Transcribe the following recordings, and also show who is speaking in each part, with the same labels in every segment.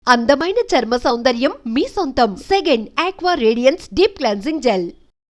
Speaker 1: అందమైన చర్మ సౌందర్యం మీ సొంతం. Second aqua radiance deep cleansing gel.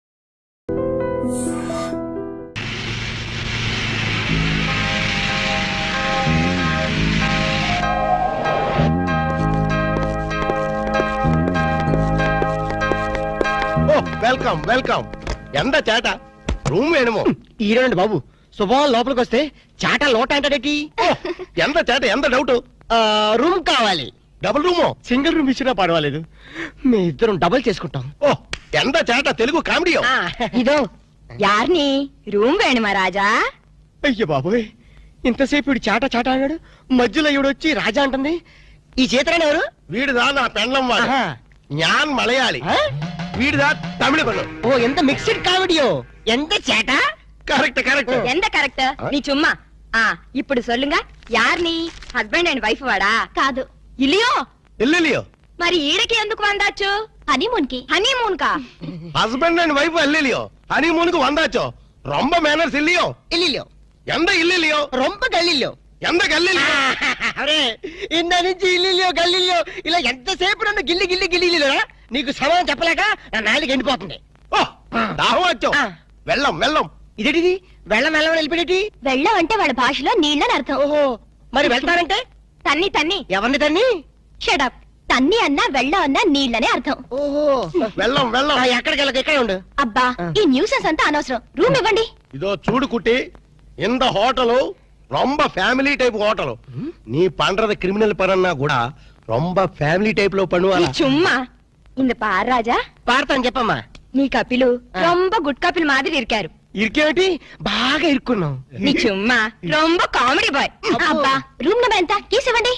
Speaker 2: Welcome welcome. ఎంత చేట రూమ్ వేణుమో
Speaker 3: ఈరోండి బాబు శుభం లోపలికి వస్తే చాట లోట అంటాడేటి.
Speaker 2: ఎంత చేట ఎంత డౌట్.
Speaker 3: రూమ్ కావాలి.
Speaker 2: డబుల్ రూమో
Speaker 3: సింగిల్ రూమ్ ఇచ్చినా పర్వాలేదు, మీ ఇద్దరం డబుల్ చేసుకుంటాం.
Speaker 2: ఓ ఎంత చేట తెలుగు కామెడీ.
Speaker 4: ఇదో యార్ని రూమ్ వేణుమా రాజా.
Speaker 3: అయ్యో బాబోయ్, ఇంతసేపు వీడు చాట చాట అన్నాడు, మధ్యలో ఈవిడొచ్చి రాజా అంటుంది. ఈ చేతరాని ఎవరు?
Speaker 2: వీడిదా నా పెండ్లం వాడు. జ్ఞాన్ మలయాళి. వీడిదా తమిళ పెళ్ళం.
Speaker 3: ఓ ఎంత మిక్స్డ్ కామెడీయో. ఎంత చేట.
Speaker 2: Correct correct.
Speaker 4: ఎంత కరెక్ట్ నీ చుమ్మా. ఇప్పుడు సొల్లుంగ యార్ని హస్బెండ్ అండ్ వైఫ్ వాడా? కాదు ఇల్లియో.
Speaker 2: ఇల్లియో
Speaker 4: మరి ఈడకి ఎందుకు వందాచ్చు? హనీమూన్ కి. హనీమూన్ కా?
Speaker 2: హస్బెండ్ అండ్ వైఫ్ ఇల్లియో హనీమూన్ కు వందాచో. రొంబ మేనర్స్ ఇల్లియో.
Speaker 3: ఇల్లిలో
Speaker 2: ఎంత ఇల్లియో
Speaker 3: రొంప గల్లిలో.
Speaker 2: ఎంత గల్లియో.
Speaker 3: అరే ఇంద నుంచి ఇల్లిలో గల్లిలో ఇలా ఎంతసేపు నన్ను గిల్లి గిల్లి గిల్లిలో నీకు సమాధానం చెప్పలేక నా నాలుగు ఎండిపోతుంది.
Speaker 2: ఓ దాహం వచ్చో. వెళ్ళం వెళ్ళం.
Speaker 3: ఇదేటిది వెళ్ళం వెళ్ళం వెళ్ళిపోయేటి?
Speaker 4: వెళ్ళం అంటే వాళ్ళ భాషలో నీళ్ళని అర్థం.
Speaker 3: ఓహో మరి వెళ్తారంటే?
Speaker 4: తన్ని తన్ని.
Speaker 3: ఎవరిని తన్ని?
Speaker 4: షడప్. తన్ని అన్నా వెళ్ళం అన్నా నీళ్ళనే అర్థం.
Speaker 3: ఓహో
Speaker 2: వెళ్ళం వెళ్ళం.
Speaker 3: ఎక్కడికి వెళ్ళక ఇక్కడే ఉండు.
Speaker 4: అబ్బా ఈ న్యూసెన్స్ అంతా అనవసరం. రూమ్ ఇవ్వండి.
Speaker 2: இதோ சூடு குட்டி, இந்த ஹோட்டலு ரொம்ப ஃபேமிலி டைப் ஹோட்டலு. நீ பண்றது கிரிமினல் பரன்னா கூட ரொம்ப ஃபேமிலி டைப்ல
Speaker 4: నీ
Speaker 2: பண்ணுவாங்க.
Speaker 4: చుమ్మా. இந்த பார் రాజా,
Speaker 3: పాడతాను చెప్పమ్మా.
Speaker 4: నీ కపిలు రొంబ గుడ్ కపిల్ మాదిరి ఇరికారు.
Speaker 3: ఇరికేమిటి? బాగా ఇరుక్కున్నాం.
Speaker 4: నీ చుమ్మా రొంబ కామెడీ బాయ్. అబ్బా రూమ్ నెంబర్ ఎంత? కీస్ ఇవ్వండి.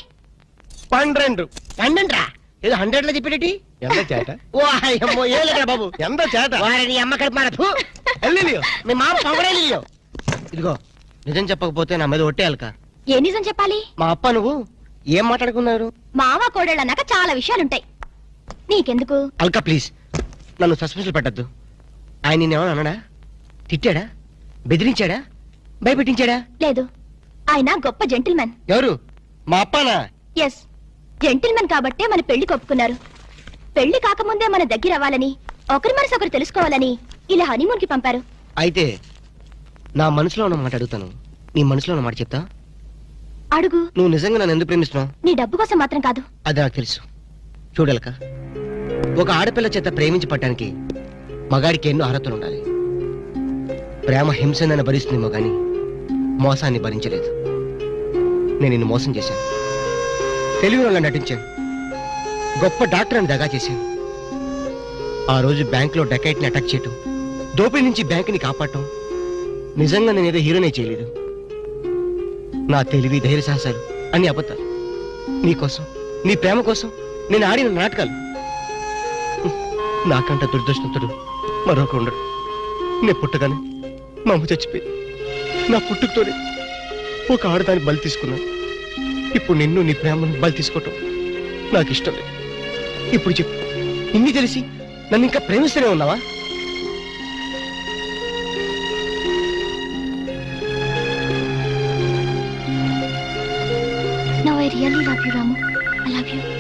Speaker 2: 12
Speaker 3: పండండ్రా ఏదో 100 లో చెప్పేటి.
Speaker 2: ఎంత చేట
Speaker 3: ఓ అయ్యమ్మో ఏలేక బాబు.
Speaker 2: ఎంత చేట.
Speaker 3: వారిని అమ్మ కడుపు మారపు.
Speaker 2: ఎల్లిలియో
Speaker 3: మీ మామ పొగడేలియో. ఇదిగో నిజం చెప్పకపోతే నా మీద ఒట్టేయాలక.
Speaker 4: ఏ నిజం చెప్పాలి?
Speaker 3: మా అప్ప నువ్వు ఏం మాట్లాడుకున్నారు?
Speaker 4: మావ కోడళ్ళు అన్నాక చాలా విషయాలుంటాయి. నీకెందుకు?
Speaker 3: అల్కా ప్లీజ్ నన్ను సస్పెన్స్ పెట్టద్దు. ఆయన నిన్నేమన్నా అన్నాడా? తిట్టాడా? బెదిరించాడా? భయపెట్టించాడా?
Speaker 4: లేదు, ఆయన గొప్ప జెంటిల్మెన్.
Speaker 3: ఎవరు? మా అప్పనా?
Speaker 4: ఎస్, జెంటిల్మెన్ కాబట్టే మన పెళ్లి కొప్పుకున్నారు. పెళ్లి కాకముందే మన దగ్గర అవ్వాలని, ఒకరి మనసు ఒకరు తెలుసుకోవాలని ఇలా హనీమూన్ కి పంపారు.
Speaker 3: అయితే నా మనసులో ఉన్న మాట అడుగుతాను, నీ మనసులో ఉన్న మాట చెప్తా.
Speaker 4: అడుగు.
Speaker 3: నువ్వు నిజంగా నన్ను ఎందుకు ప్రేమిస్తున్నావు?
Speaker 4: నీ డబ్బు కోసం మాత్రం కాదు.
Speaker 3: అది నాకు తెలుసు. చూడలక, ఒక ఆడపిల్ల చేత ప్రేమించి పట్టడానికి మగాడికి ఎన్నో అర్హతలు ఉండాలి. ప్రేమ హింసనని భరిస్తుందేమో గాని మోసాన్ని భరించలేదు. నేను నిన్ను మోసం చేశాను, తెలివిలో నటించాను, గొప్ప డాక్టర్ అని దగా చేశాను. ఆ రోజు బ్యాంకులో డకైట్ని అటాక్ చేయటం, దోపిడీ నుంచి బ్యాంకుని కాపాడటం, నిజంగా నేనేదో హీరోనే చేయలేదు. నా తెలివి ధైర్య సాహసాలు అన్ని అబద్ధాలు. నీకోసం, నీ ప్రేమ కోసం నేను ఆడిన నాటకాలు. నాకంట దురదృష్టంతుడు మరొక ఉండడు. నేను పుట్టగానే మా అమ్మ చచ్చిపోయి నా పుట్టుకతోనే ఒక ఆడదాన్ని బలి తీసుకున్నాను. ఇప్పుడు నిన్ను నీ ప్రేమను బలి తీసుకోవటం నాకు ఇష్టం లేదు. ఇప్పుడు చెప్పు, ఇన్ని తెలిసి నన్ను ఇంకా ప్రేమిస్తూనే ఉన్నావా?
Speaker 4: No, I really love you, Ramu. I love you.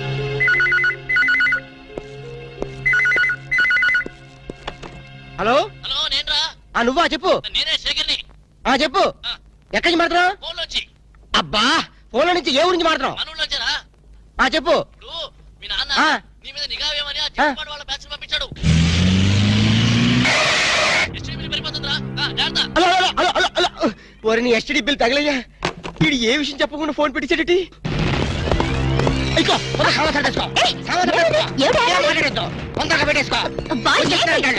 Speaker 3: Hello
Speaker 5: hello నేనురా.
Speaker 3: నువ్వా? చెప్పు.
Speaker 5: నేనే శేఖర్ని.
Speaker 3: చెప్పు. ఎక్కడి నుంచి మాట్లాడుతున్నావు?
Speaker 5: ఫోన్ లోంచి.
Speaker 3: అబ్బా ఫోన్లో నుంచి ఏ ఊరించి మాట్లాడుతున్నావు?
Speaker 5: మనూళ్ళొచ్చారా?
Speaker 3: చెప్పు.
Speaker 5: ఇప్పుడు మీ నాన్న నీ మీద నిఘా వేయమని ఆ
Speaker 3: ఆ.
Speaker 5: చిన్నపాడు వాళ్ళ బ్యాచ్ పంపించాడు. ఎస్టీడీ పరిపోతుందిరా. జాగ్రత్త.
Speaker 3: Hello hello hello hello hello. ఓరి నీ ఎస్టీడీ బిల్ తగలయ్యా. వీడు ఏ విషయం చెప్పకుండా ఫోన్ పెట్టించాడటి.
Speaker 4: అబ్బా, ఏంటి?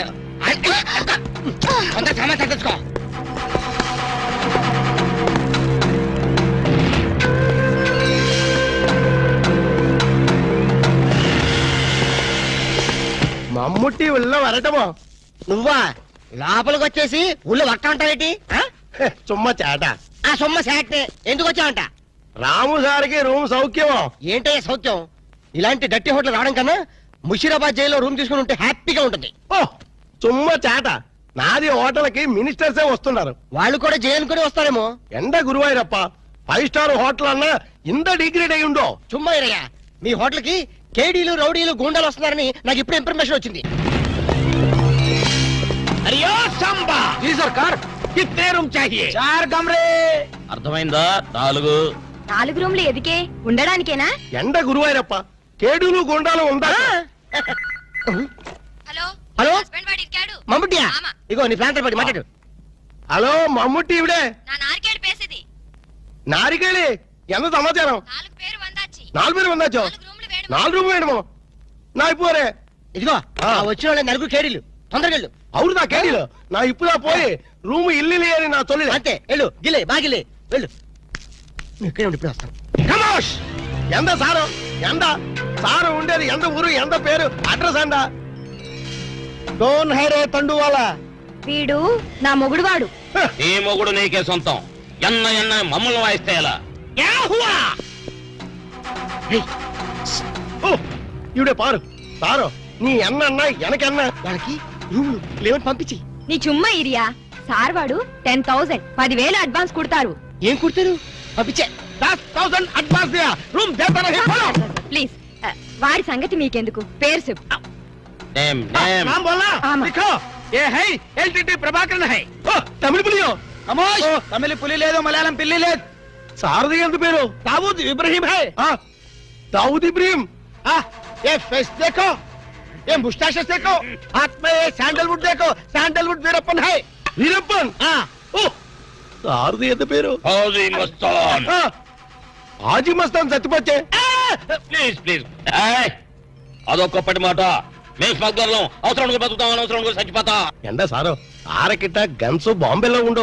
Speaker 2: మమ్ముట్టి ఉల్ల వరటమో.
Speaker 3: నువ్వా లోపలికి వచ్చేసి ఊళ్ళో వట్ట ఉంటావేటి?
Speaker 2: చుమ్మ చేట.
Speaker 3: ఆ సొమ్మ శాటే ఎందుకు వచ్చావంట?
Speaker 2: రాము సార్కి రూమ్ సౌఖ్యమో.
Speaker 3: ఏంటయ్యా సౌఖ్యం? ఇలాంటి డట్టి హోటల్ రావడం కన్నా ముషీరాబాద్ జైల్లో రూమ్ తీసుకుని ఉంటే హ్యాపీగా ఉంటుంది.
Speaker 2: ఓ చుమ్మ చేట. నాది హోటల్కి మినిస్టర్సే వస్తున్నారు.
Speaker 3: వాళ్ళు కూడా జైలు అనుకుని వస్తారేమో.
Speaker 2: ఎండ గురువాయూరప్ప 5 స్టార్ హోటల్ అన్నా ఇంత డిగ్రేడ్ అయి ఉండో.
Speaker 3: చుమ్మా ఇరయ్యా, మీ హోటల్ కి కేడీలు రౌడీలు గూండాలు వస్తున్నారని నాకు ఇప్పుడు ఇన్ఫర్మేషన్ వచ్చింది.
Speaker 2: అరియో సంబా జీ సర్కార్ కిత్నే రూమ్ చాహియే 4 కమరే.
Speaker 5: అర్థమైందా? 4.
Speaker 4: 4 రూమ్లు ఎదికే ఉండడానికేనా?
Speaker 2: ఎండ గురువాయరప్ప కేడులు గుండాలు ఉందా?
Speaker 4: హలో
Speaker 3: హలో
Speaker 4: హస్బెండ్ వాడి ఇరికాడు.
Speaker 3: మమ్ముటియా?
Speaker 4: ఆమా.
Speaker 3: ఇగో నీ ఫ్లాంటర్ పడి మాట్లాడు.
Speaker 2: హలో మమ్ముట్టి ఇవిడే
Speaker 4: నా నారికేడు పేసేది.
Speaker 2: నారికేళి ఎంత సమాచారం?
Speaker 4: 4 పేరు వందాచి.
Speaker 2: 4 పేరు వందాచో
Speaker 4: 4 రూమ్లు వేడు.
Speaker 2: 4 రూమ్ వేయడము నా ఇప్పుడే
Speaker 3: ఇదిగో ఆ వచ్చిన వాళ్ళ నలుగురు కేడీలు తొందరగా వెళ్ళు.
Speaker 2: అవును నా కేడీలు నా ఇప్పుడా పోయి రూమ్ ఇల్లు లేని నా తొలి
Speaker 3: అంతే వెళ్ళు గిలే బాగిలే వెళ్ళు. నువ్వు ఇక్కడే ఉండి ఇప్పుడు వస్తాను.
Speaker 2: కమోష్ ఎంత సారు ఎంత సారు ఉండేది ఎంత ఊరు ఎంత పేరు అడ్రస్ ఎంత డోన్ హైరే తండువాలా
Speaker 4: వీడు నా మొగుడు వాడు.
Speaker 5: ఈ మొగుడు నీకే సొంతం. ఎన్న మమ్మల్ని వాయిస్తే ఎలా?
Speaker 2: ఇవిడే పారు సారు నీ ఎన్న ఎనకన్నా
Speaker 3: వాళ్ళకి రూములు లేవని పంపించి.
Speaker 4: నీ చుమ్మా ఇరియా. సార్ వాడు 10,000 10,000 అడ్వాన్స్ కుడతారు.
Speaker 3: ఏం కుడతారు? పంపించే.
Speaker 2: 10,000 అడ్వాన్స్ దియా రూమ్ దేతా నహీ బోలో
Speaker 4: ప్లీజ్ వాడి సంగతి మీకెందుకు, పేరు చెప్పు.
Speaker 5: నేమ్ నేమ్
Speaker 2: नाम बोलना
Speaker 4: आमा।
Speaker 2: लिखो ये है एलटीटी प्रभाकरन है ओ तमिल पुलियो कमोश तमिल पुली లేదు మలయాళం పిల్లి లేదు సారది ఎంత పేరు దావూద్ ఇబ్రహీం है दाऊद इब्राहिम ये फेस देखो ये मुस्टैचेस देखो हाथ में ये सैंडलवुड देखो सैंडलवुड वीरप्पन है वीरप्पन ओ సారది ఎంత పేరు
Speaker 5: హౌజీ మస్తాన్.
Speaker 2: హాజీ మస్తాన్ సత్యపచ్చే
Speaker 5: ప్లీజ్ ప్లీజ్. అదొక్కప్పటి మాట. మేము స్మగ్లర్లం. అవసరం బతుకుతాం, అనవసరం చచ్చిపోతా.
Speaker 2: ఎండ సారు ఆరకిట్ట గన్స్ బాంబేలో ఉండు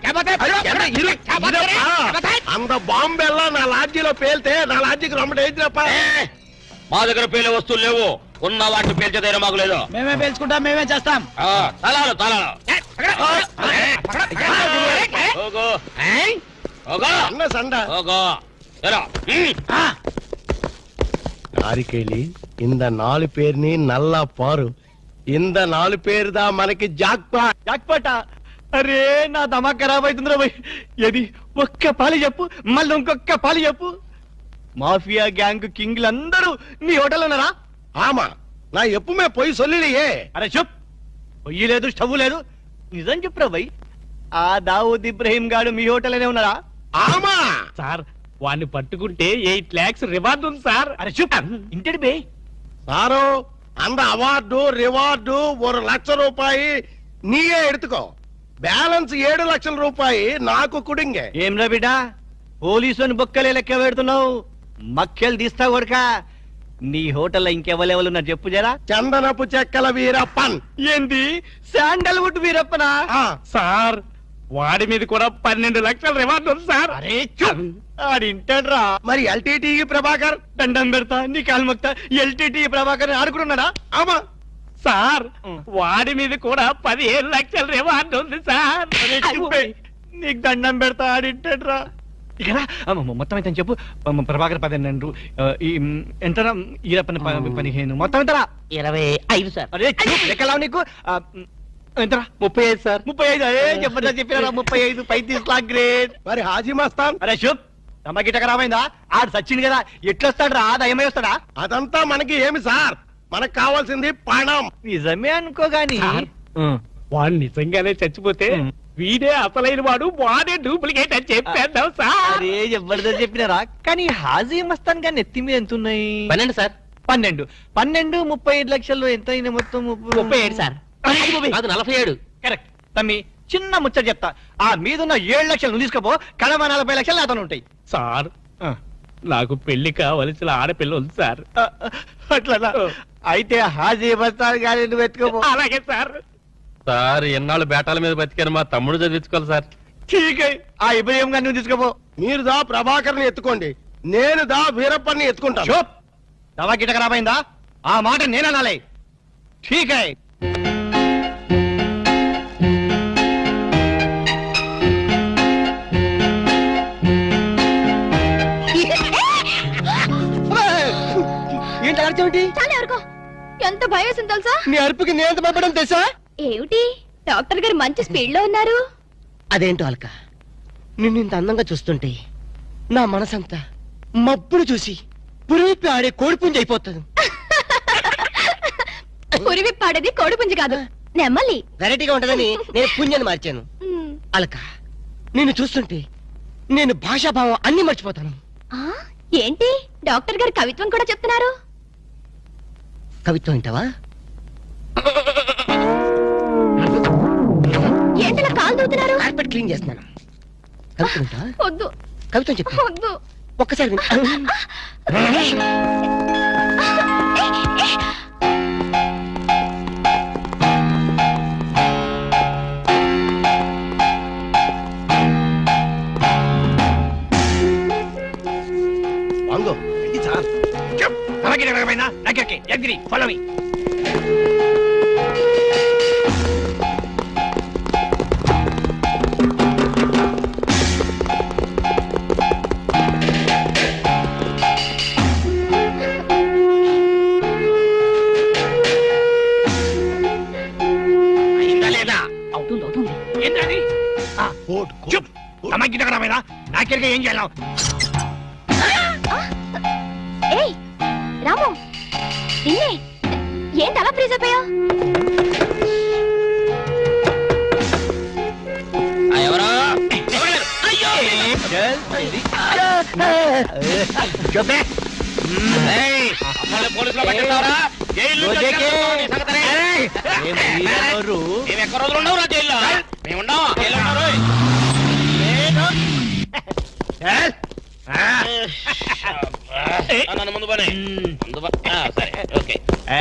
Speaker 2: అంత బాంబేలో నా లాడ్జీలో పేల్తే నా లాడ్జీకి రొమ్మ డేంజరప్ప
Speaker 5: మా దగ్గర పేలే వస్తువులు లేవు. ఉన్న వాటిని పేల్చే ధైర్యం మాకు లేదు.
Speaker 3: మేమే పేల్చుకుంటాం, మేమే చేస్తాం.
Speaker 5: తలాలు తలాలు
Speaker 2: అన్న సండ நாரிக்கேலி இந்த 4 பேர்ని నల్ల పారు ఇంద 4 పేరుదా మనకి జాక్పాట్
Speaker 3: జాక్పాటా? అరే నా దమా ఖరాబ్ అవుతుందిరా భయ్. ఏది ఒక్క పాలి చెప్పు, మళ్ళీ ఇంకొక్క పాలి చెప్పు. మాఫియా గ్యాంగ్ కింగ్లు అందరూ మీ హోటల్ ఉన్నారా?
Speaker 2: ఆమా నా ఎప్పుమే పోయి సొల్లియే
Speaker 3: అరే చెప్. పొయ్యి లేదు, స్టవ్ లేదు, నిజం చెప్పురా భయ్. ఆ దావూద్ ఇబ్రహీం గాడు మీ హోటల్లోనే ఉన్నారా?
Speaker 2: ఆమా
Speaker 6: సార్ వాడిని పట్టుకుంటే 8 lakhs రివార్డ్ ఉంది సార్.
Speaker 3: అరే చెప్ ఇంటి బే.
Speaker 2: సారు அந்த అవార్డు రివార్డు 1 లక్ష రూపాయి నీయే ఎడుతుకో బ్యాలెన్స్ 7 లక్షల రూపాయి నాకు కుడింగే
Speaker 3: ఏం రా బిడ్డ పోలీసుని బొక్కలే లెక్క పెడుతున్నావు? మక్కలు తీస్తా కొడక. నీ హోటల్లో ఇంకెవరెవరు ఉన్నారు చెప్పు జరా.
Speaker 2: చందనపు చెక్కల వీరప్పన్
Speaker 3: ఏంది శాండల్వుడ్ వీరప్పనా?
Speaker 6: సార్ వాడి మీద కూడా 12 లక్షల రివార్డ్ ఉంది సార్.
Speaker 3: అరే చూప్ ఆడింటాడ్రా.
Speaker 2: మరి ఎల్టీటీ ప్రభాకర్
Speaker 3: దండం పెడతా నీ కాలు మొక్తా. ఎల్టీటీ ప్రభాకర్ ఆడుకున్నాడా?
Speaker 2: ఆమా
Speaker 6: సార్ వాడి మీద కూడా 15 లక్షల రివార్డ్ ఉంది సార్.
Speaker 3: అరే చూపే నీకు దండం పెడతా ఆడింటాడ్రా. ఇక్కడ మొత్తం అయితే చెప్పు. ప్రభాకర్ 12 ఈ ఎంతరా ఈరప్పని 15 మొత్తం ఎంతరా?
Speaker 5: 25 సార్.
Speaker 3: అరే చూప్ లెక్కలావు నీకు. ఎంతరా?
Speaker 6: 35 సార్.
Speaker 3: 35. అరే జబర్దస్త్ చెప్పినారా 35 35 లాక్ గ్రేట్.
Speaker 2: మరి హాజీ మస్తాన్
Speaker 3: అరే శుభ్ నమ్మకిట ఖరాబైందా? ఆడు సచ్చింది కదా, ఎట్లొస్తాడు రా? దయమై వస్తాడా?
Speaker 2: అదంతా మనకి ఏమి సార్ మనకు కావాల్సింది పణం
Speaker 3: నిజమే అనుకో గాని
Speaker 6: సార్, వాడు నిజంగానే చచ్చిపోతే వీడే అసలైన వాడు, వాడే డూప్లికేట్ అని చెప్పేద్దాం సార్.
Speaker 3: అరే జబర్దస్త్ చెప్పినారా. కానీ హాజీ మస్తాన్ గాని ఎత్తి మీద ఎంత ఉన్నాయి?
Speaker 5: 12 సార్.
Speaker 3: 12 35 లక్షల్లో ఎంత అయినా మొత్తం?
Speaker 5: 37 సార్. అది 47.
Speaker 3: కరెక్ట్ తమ్మి. చిన్న ముచ్చట చెప్తా. ఆ మీదున్న 7 లక్షలు నువ్వు తీసుకోపో, కడమ 40 లక్షలు నాతో ఉంటాయి.
Speaker 6: సార్ నాకు పెళ్లి కావలసిన ఆడపిల్ల ఉంది సార్.
Speaker 3: అట్లా అయితే హాజీ మస్తాన్ గాని నువ్వు ఎత్తుకోపో.
Speaker 6: అలాగే సార్.
Speaker 7: సార్ ఎన్నాళ్ళు బేటాల మీద బతికారు, మా తమ్ముడు చదివించుకోవాలి సార్.
Speaker 3: ఠీక్ ఆ ఇబ్రహీం గాని నువ్వు తీసుకోపో.
Speaker 2: మీరు దా ప్రభాకర్ని ఎత్తుకోండి, నేను దా వీరప్పన్ని ఎత్తుకుంటాను.
Speaker 3: చూప్ దవా గిట ఖరాబైందా? ఆ మాట నేననాలే. ఠీక్ హై. ఏంటి అర్థమేంటి?
Speaker 4: చాలా ఎవరికో ఎంత భయం వేసింది తెలుసా?
Speaker 3: నీ అరుపుకి నేను భయపడడం తెలుసా?
Speaker 4: ఏమిటి డాక్టర్ గారు మంచి స్పీడ్ లో ఉన్నారు.
Speaker 3: అదేంటో అల్క, నిన్ను ఇంత అందంగా చూస్తుంటే నా మనసంతా మబ్బును చూసి పురిపి ఆడే కోడిపుంజి అయిపోతుంది.
Speaker 4: పురివి పాడేది కోడిపుంజి కాదు, నెమ్మలి.
Speaker 3: వెరైటీగా ఉంటదని నేను పుంజని మార్చాను. అలక నిన్ను చూస్తుంటే నేను భాషాభావం అన్ని మర్చిపోతాను.
Speaker 4: ఆ, ఏంటి డాక్టర్ గారు కవిత్వం కూడా చెప్తున్నారు?
Speaker 3: కవిత్వం వింటావా?
Speaker 4: ఏంటలా కాలు దూతున్నారు?
Speaker 3: కార్పెట్ క్లీన్ చేస్తున్నాను. కవిత్వం వింటావా?
Speaker 4: వద్దు
Speaker 3: కవిత్వం చెప్పు.
Speaker 4: వద్దు.
Speaker 3: ఒక్కసారి విను.
Speaker 2: వాంగో ఇది సార్ అలాగే నగరమైనా దగ్గరికి ఎగ్రి ఫాలో మీ. అయిందా లేదా?
Speaker 6: అవుతుంది
Speaker 2: ఏంటది? చూప్ తమకి నగరమైనా నాకెరిగా ఏం చేయాలి?
Speaker 4: ఏయ్ రాము, నిన్నే. ఏంటి అలా ఫ్రీజ్ అయిపోయావు?
Speaker 5: ఎవరో పోలీసులో పట్టిస్తావరా? జైలు మేము ఎక్క రోజులు ఉండవు రా జైల్లో. మేము ఉండవు జైల్లో ఉన్నారు. నన్ను ముందు పని సరే ఓకే.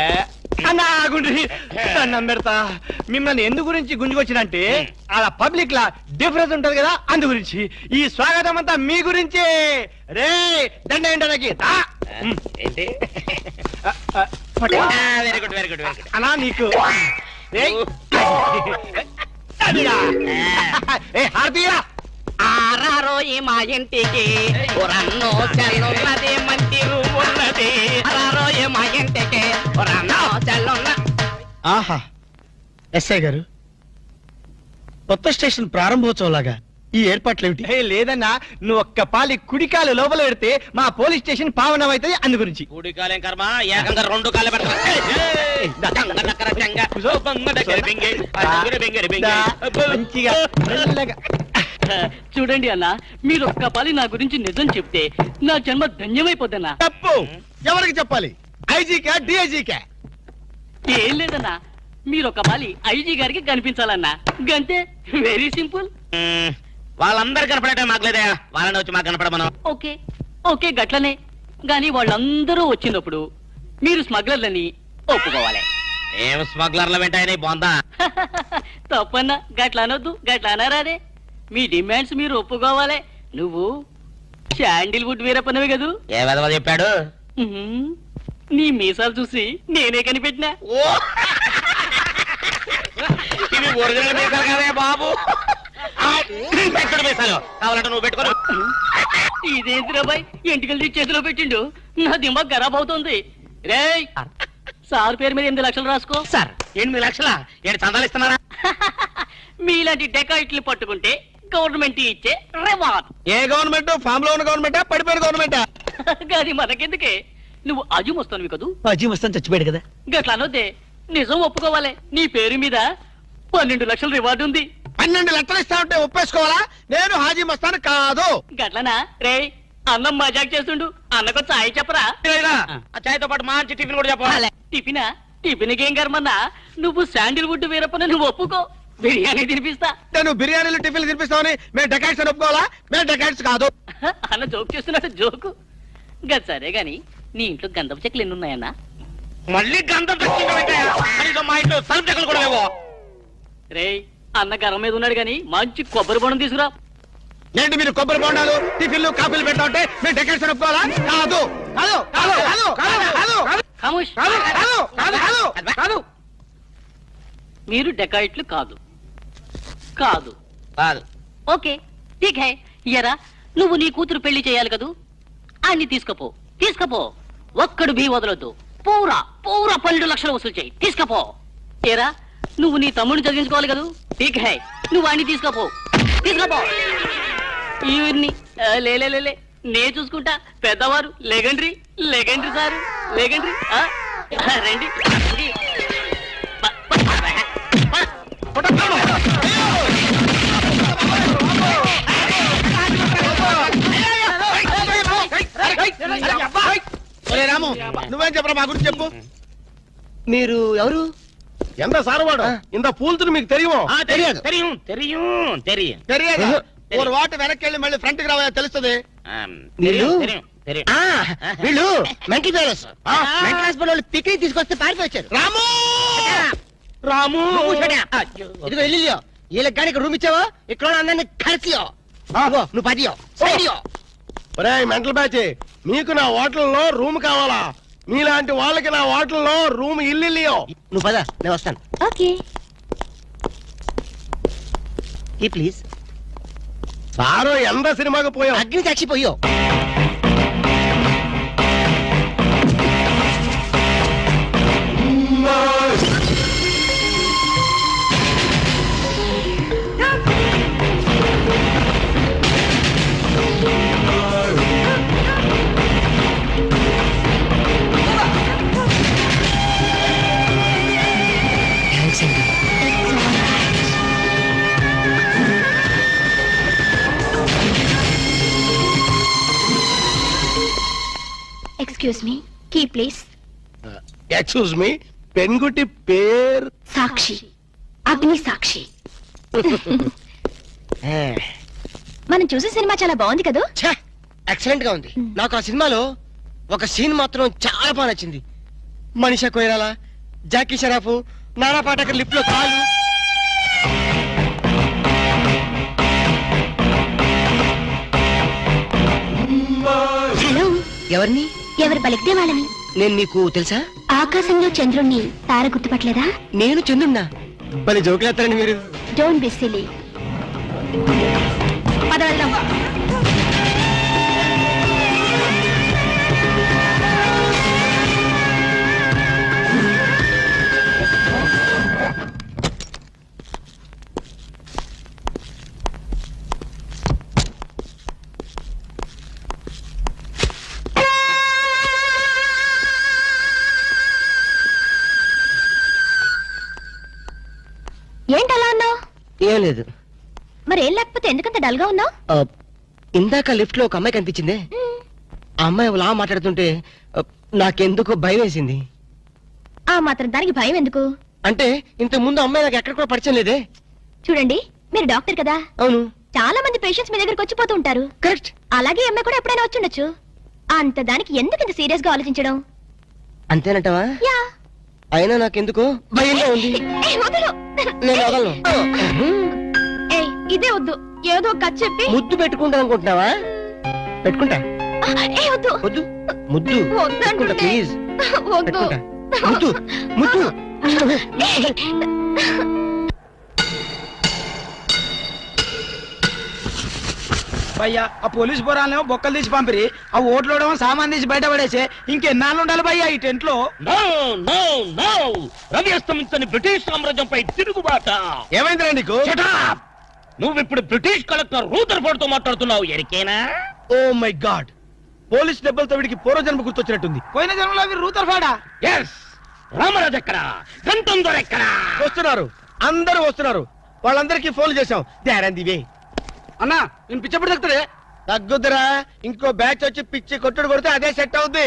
Speaker 2: అన్నం పెడతా. మిమ్మల్ని ఎందు గురించి గుంజుకొచ్చినంటే అలా పబ్లిక్ లా డిఫరెన్స్ ఉంటది కదా, అందు గురించి. ఈ స్వాగతం అంతా మీ గురించి. రే దండ ఏంటనకి
Speaker 5: ఏంటి? Very good very good very good.
Speaker 2: అనా నీకు హార్తీరా
Speaker 6: ఆరారోయి మా ఇంటికి రన్నో చల్లున్నది మంచి ఉన్నది. ఆరారోయి మా ఇంటికి రన్నో చల్లున్న.
Speaker 2: ఆహా ఎస్ఐ గారు, కొత్త స్టేషన్ ప్రారంభోత్సవం లాగా ఈ ఏర్పాట్లు ఏమిటి? లేదన్నా, నువ్వు ఒక్క పాలి కుడికాలు లోపల పెడితే మా పోలీస్ స్టేషన్ పావనం అవుతుంది, అందు గురించి.
Speaker 5: కూడి కాలేం కర్మ, ఏకంగా రెండు కాళ్ళు పెడతా.
Speaker 2: మంచిగా మెల్లగా.
Speaker 6: చూడండి అన్న, మీరు ఒక్క పాలి నా గురించి నిజం చెప్తే నా జన్మ ధన్యమైపోద్దన్నా.
Speaker 2: తప్పు. ఎవరికి చెప్పాలి? ఐజీకా డిఐజీకా?
Speaker 6: ఏం లేదన్నా, మీరు ఒక పాలి ఐజీ గారికి కనిపించాలన్నా, గంతే. Very simple.
Speaker 5: వాళ్ళందరూ కనపడటం మాకులేదా? వాళ్ళని వచ్చి మాకు కనపడమను.
Speaker 6: ఓకే ఓకే గట్లనే. గాని వాళ్ళందరూ వచ్చినప్పుడు మీరు స్మగ్లర్లని ఒప్పుకోవాలి.
Speaker 5: ఏం స్మగ్లర్ల వెంటాయని బాందా?
Speaker 6: తప్పన్నా, గట్ల అనొద్దు, గట్ల అనరాదే. మీ డిమాండ్స్ మీరు ఒప్పుకోవాలి. నువ్వు శాండిల్వుడ్ వీరప్పనవి కదూ?
Speaker 5: ఏ విధవ చెప్పాడు?
Speaker 6: ఉహుం. నీ మీసాలు చూసి నేనే కనిపెట్టినా.
Speaker 5: ఇవి ఒరిజినల్ మీసాలు కదే బాబు. మీసాలు కావాలంటే నువ్వు పెట్టుకో.
Speaker 6: ఇదేంటి రాబాయ్, ఎంటికలు చేతిలో పెట్టిండు. నా దిమాగ్ ఖరాబ్ అవుతుంది. రేయ్, సార్ పేరు మీద 8 లక్షలు రాసుకో.
Speaker 5: సార్ 8 లక్షలా? ఏంటి చందాలు ఇస్తున్నారా?
Speaker 6: మీలాంటి డెకాయిట్లు పట్టుకుంటే గవర్నమెంట్ ఇచ్చే రివార్డ్.
Speaker 2: ఏ గవర్నమెంట్? ఫామ్ లో ఉన్న గవర్నమెంటా, పడిపోయిన గవర్నమెంటా?
Speaker 6: అది మనకెందుకే? నువ్వు అజు వస్తాను కదూ?
Speaker 2: అజీ వస్తాను, చచ్చిపోయాడు కదా.
Speaker 6: గట్ల అనొద్దే, నిజం ఒప్పుకోవాలి. నీ పేరు మీద 12 లక్షల రివార్డు ఉంది.
Speaker 2: 12 లక్షలు ఇస్తా ఉంటే ఒప్పేసుకోవాలా? నేను హాజీ మస్తాను కాదు.
Speaker 6: గట్లనా? రేయ్, అన్నం మజాక్ చేస్తుండు. అన్నకు చాయ్ చెప్పరా?
Speaker 5: ఆ చాయ్తో పాటు మంచి టిఫిన్ కూడా చెప్పాలి.
Speaker 6: టిఫినా? టిఫిన్కి ఏం కర్మన్నా? నువ్వు శాండిల్వుడ్ వీరప్పని నువ్వు ఒప్పుకో, బిర్యానీ తినిపిస్తా.
Speaker 2: నేను బిర్యానీలు టిఫిన్లు తినిపిస్తామని మేము డెకాయిట్స్ అని ఒప్పుకోవాలా? మేము డెకాయిట్స్ కాదు.
Speaker 6: అన్న జోక్ చేస్తున్నట్టు జోకు. గది సరే గాని, నీ ఇంట్లో గంధపు చెక్కలు ఎన్ని ఉన్నాయన్నా?
Speaker 5: మళ్ళీ గంధం తెచ్చుకుంటాం. మా ఇంట్లో తలుపు చెక్కలు కూడా లేవో.
Speaker 6: రేయ్, అన్న గరం మీద ఉన్నాడు గాని మంచి కొబ్బరి బొండం తీసుకురా.
Speaker 2: ఏంటి మీరు కొబ్బరి బొండాలు టిఫిన్లు కాఫీలు పెట్టా ఉంటే మేము డెకాయిట్స్ అని ఒప్పుకోవాలా? కాదు కాదు కాదు కాదు కాదు కాదు
Speaker 6: ఖామోష్.
Speaker 2: కాదు కాదు కాదు కాదు.
Speaker 6: మీరు డెకాయిట్లు కాదు. కాదు
Speaker 5: కాదు.
Speaker 6: ఓకే ఠీక్ హై. ఎరా, నువ్వు నీ కూతురు పెళ్లి చేయాలి కదూ? అన్ని తీసుకపో, తీసుకపో. ఒక్కడు భీ వదలొద్దు. పూరా పూరా 12 లక్షలు వసూలు చేయి, తీసుకపో. ఏరా, నువ్వు నీ తమ్ముడిని చదివించుకోవాలి కదూ? ఠీక్ హై, నువ్వు అన్ని తీసుకపో, తీసుకపో. ఇవన్నీ లేలే నే చూసుకుంటా పెద్దవారు లెగండ్రి లెగండ్రి సార్ లెగండ్రి రండి రండి.
Speaker 2: ఒరే రాము నువ్వేం చెప్పరా మా గురించి చెప్పు.
Speaker 3: మీరు ఎవరు?
Speaker 2: ఎంత సారవాడు ఇంత పూల్తులు మీకు తెలియమో?
Speaker 3: తెలియదు.
Speaker 5: தெரியும் தெரியும் தெரியும்
Speaker 2: తెలియదు. ఒక వాటి వెనక్కి వెళ్ళి మళ్ళీ ఫ్రంట్ కి రావా తెలుస్తుంది.
Speaker 5: தெரியும் தெரியும் தெரியும்
Speaker 3: ఆ, వీళ్ళు మెంటల్ ఫెలోస్. మెంటల్ హాస్పిటల్ వాళ్ళు పిక్నిక్ తీసుకొస్తే పారిపోయి వచ్చారు.
Speaker 2: రాము
Speaker 5: రాము
Speaker 3: ఇదిగో వెళ్ళియో వీళ్ళకి కానీ ఇక్కడ రూమ్ ఇచ్చావో ఇక్కడ ఉన్న అందరినీ కలిసియో నువ్వు పదియో సైడియో.
Speaker 2: ఒరే మెంటల్ బ్యాచ్ మీకు నా హోటల్లో రూమ్ కావాలా? మీలాంటి వాళ్ళకి నా హోటల్లో రూమ్ ఇల్లు.
Speaker 3: నువ్వు పద నేను వస్తాను.
Speaker 4: ఓకే.
Speaker 3: ఈ ప్లీజ్.
Speaker 2: సారు ఎంత సినిమాకి పోయాం.
Speaker 3: అగ్ని సాక్షి పోయో.
Speaker 4: Excuse me, key please.
Speaker 2: Excuse me, పెన్గుటి పేరు
Speaker 4: సాక్షి, అగ్ని సాక్షి. మనం చూసే సినిమా చాలా బాగుంది కదా.
Speaker 3: ఎక్సలెంట్ గా ఉంది. నాకు ఆ సినిమాలో ఒక సీన్ మాత్రం చాలా బాగా నచ్చింది. మనీషా కొయిరాలా, జాకీ షరాఫ్, నానా పాటకర్ లిప్ లో కాలు.
Speaker 4: హలో,
Speaker 3: ఎవరిని?
Speaker 4: ఎవరు పలికితే వాళ్ళని.
Speaker 3: నేను నీకు తెలుసా?
Speaker 4: ఆకాశంలో చంద్రుణ్ణి తార గుర్తుపట్టలేదా?
Speaker 3: నేను చంద్రున్నా. భలే జోకులేస్తారండి మీరు.
Speaker 4: Don't be silly. పద వెళ్దాం. ఏంటలా అన్నావు?
Speaker 3: ఏం లేదు.
Speaker 4: మరి ఏం లేకపోతే ఎందుకంత డల్ గా ఉన్నావు?
Speaker 3: ఇందాక లిఫ్ట్ లో ఒక అమ్మాయి కనిపించిందే. ఆ అమ్మాయి అలా మాట్లాడుతుంటే నాకెందుకో భయం వేసింది.
Speaker 4: ఆ మాత్రం దానికి భయం ఎందుకు?
Speaker 3: అంటే ఇంతకు ముందు అమ్మాయి నాకు ఎక్కడ కూడా పరిచయం లేదే.
Speaker 4: చూడండి, మీరు డాక్టర్ కదా.
Speaker 3: అవును.
Speaker 4: చాలా మంది పేషెంట్స్ మీ దగ్గరకు వచ్చిపోతూ ఉంటారు.
Speaker 3: కరెక్ట్.
Speaker 4: అలాగే అమ్మాయి కూడా ఎప్పుడైనా వచ్చుండొచ్చు. అంత దానికి ఎందుకు ఇంత సీరియస్ గా ఆలోచించడం?
Speaker 3: అంతేనంటవా?
Speaker 4: యా.
Speaker 3: అయినా నాకెందుకో భయంగా ఉంది.
Speaker 4: ఏయ్, వదలు.
Speaker 3: నేను వదలను.
Speaker 4: ఏయ్, ఇదే వద్దు. ఏదో కథ చెప్పి
Speaker 3: ముద్దు పెట్టుకుంటా అనుకుంటున్నావా? పెట్టుకుంటా.
Speaker 4: ఏయ్, వద్దు.
Speaker 3: వద్దు. ముద్దు
Speaker 4: వద్దు
Speaker 3: పెట్టుకుంటా
Speaker 4: అంటుంటే.
Speaker 3: ప్లీజ్.
Speaker 4: వద్దు.
Speaker 3: పెట్టుకుంటా. ముద్దు ముద్దు.
Speaker 8: భయ్యా ఆ పోలీస్ పోరాలేమో బొక్కలు తీసి పంపిరి, ఆ ఓట్లోడేమో సామాన్ తీసి బయట పడేసి ఇంకెన్నాళ్ళు ఉండాలి భయ్యా ఈ టెంట్ లో?
Speaker 5: నో నో నో రవి అస్తమించని బ్రిటిష్ సామ్రాజ్యంపై తిరుగుబాట.
Speaker 2: ఏమైందిరా నీకు?
Speaker 5: Shut up! నువ్వు ఇప్పుడు బ్రిటిష్ కలెక్టర్ రూదర్ఫోర్డ్ తో మాట్లాడుతున్నావు. ఎరికేనా?
Speaker 2: ఓ మై గాడ్, పోలీస్ దెబ్బలతో వీడికి పూర్వజన్మ గుర్తొచ్చినట్టుంది.
Speaker 8: పోయిన జన్మలో మీరు రూతర్ఫాడా?
Speaker 5: ఎస్. రామరాజు ఎక్కడ? గంటం దొర ఎక్కడ?
Speaker 2: వస్తున్నారు, అందరూ వస్తున్నారు. వాళ్ళందరికీ ఫోన్ చేశాం. వే
Speaker 8: అన్నా నేను పిచ్చప్పుడు తగ్గుతాడే.
Speaker 2: తగ్గుద్దురా, ఇంకో బ్యాచ్ వచ్చి పిచ్చి కొట్టుడు కొడితే అదే సెట్ అవుద్ది.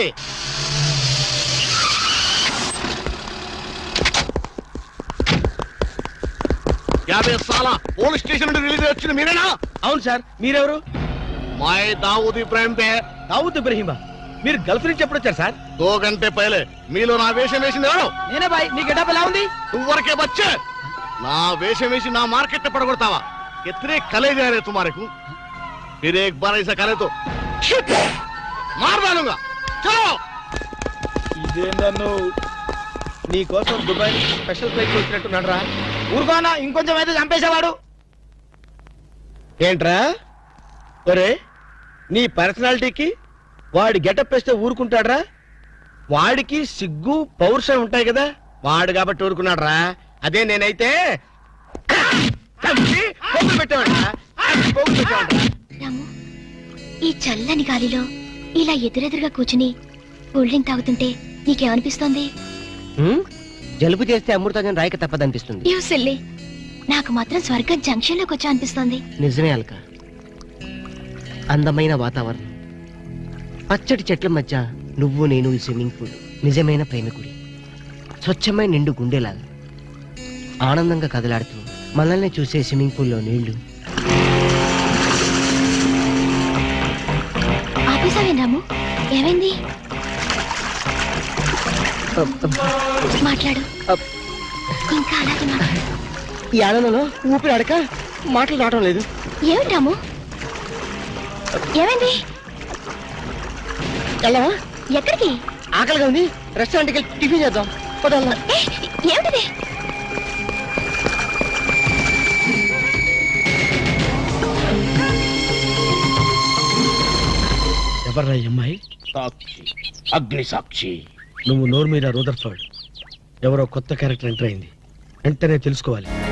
Speaker 9: పోలీస్ స్టేషన్ నుండి రిలీజ్ వచ్చింది మీరేనా?
Speaker 2: అవును సార్, మీరెవరు?
Speaker 9: మై దావూద్ ఇబ్రాహిం దే.
Speaker 2: దావూద్ ఇబ్రహీమా, మీరు గల్ఫ్ నుంచి ఎప్పుడు వచ్చారు సార్?
Speaker 9: 2 గంటే పైలే. మీలో నా వేషం వేసింది ఎవరు?
Speaker 8: నేనే బాయ్. నీ గెటప్ ఎలా ఉంది?
Speaker 9: నువ్వరకే బచ్చే. నా వేషం వేసి నా మార్కెట్ పడగొడతావా? कितने कले जा रहे तुम्हारे को? फिर एक बार ऐसा करे तो मार डालूंगा. चलो.
Speaker 2: ఇదేందన్ను నీ కోసం దుబాయ్ నుంచి స్పెషల్ ఫ్లైట్ వచ్చినట్టున్నాడు రా.
Speaker 8: ఊరుకోనా, ఇంకొంచెం అయితే చంపేసేవాడు.
Speaker 2: ఏంట్రా ఒరే, నీ పర్సనాలిటీకి వాడి గెటప్ వేస్తే ఊరుకుంటాడ్రా? వాడికి సిగ్గు పౌరుషం ఉంటాయి కదా, వాడు కాబట్టి ఊరుకున్నాడు రా. అదే నేనైతే
Speaker 4: రాము, ఈ చల్లని గాలిలో ఇలా ఎదురెదురుగా కూర్చుని కూల్ డ్రింక్ తాగుతుంటే నీకేమనిపిస్తోంది?
Speaker 3: జలుబు చేస్తే అమృతాజన్ రాయక తప్పదనిపిస్తుంది.
Speaker 4: యూ సిల్లీ, నాకు మాత్రం స్వర్గం జంక్షన్ లోకి వచ్చా అనిపిస్తోంది.
Speaker 3: నిజమే అల్క. అందమైన వాతావరణం, పచ్చటి చెట్ల మధ్య నువ్వు నేను ఈ స్విమ్మింగ్ పూల్ నిజమైన ప్రేమికుడి. స్వచ్ఛమైన నిండు గుండెలాగా ఆనందంగా కదలాడుతూ మనల్ని చూసే స్విమ్మింగ్ పూల్లో నీళ్లు.
Speaker 4: ఆపేసావేం రాము? ఏమైంది? మాట్లాడు, ఇంకా అలాగే మాట్లాడు.
Speaker 3: ఈ ఆనందంలో ఊపిరి ఆడక మాటలు రావడం లేదు.
Speaker 4: ఏమిటి రాము, ఏమైంది?
Speaker 3: వెళ్ళవా?
Speaker 4: ఎక్కడికి?
Speaker 3: ఆకలిగా ఉంది, రెస్టారెంట్కి వెళ్ళి టిఫిన్ చేద్దాం. పదల్లా.
Speaker 4: ఏమిటిది?
Speaker 2: ఎవర్రా ఈ అమ్మాయి?
Speaker 5: సాక్షి, అగ్ని సాక్షి.
Speaker 2: నువ్వు నోరు మీద రూదర్ఫర్డ్. ఎవరో కొత్త క్యారెక్టర్ ఎంటర్ అయింది, వెంటనే తెలుసుకోవాలి.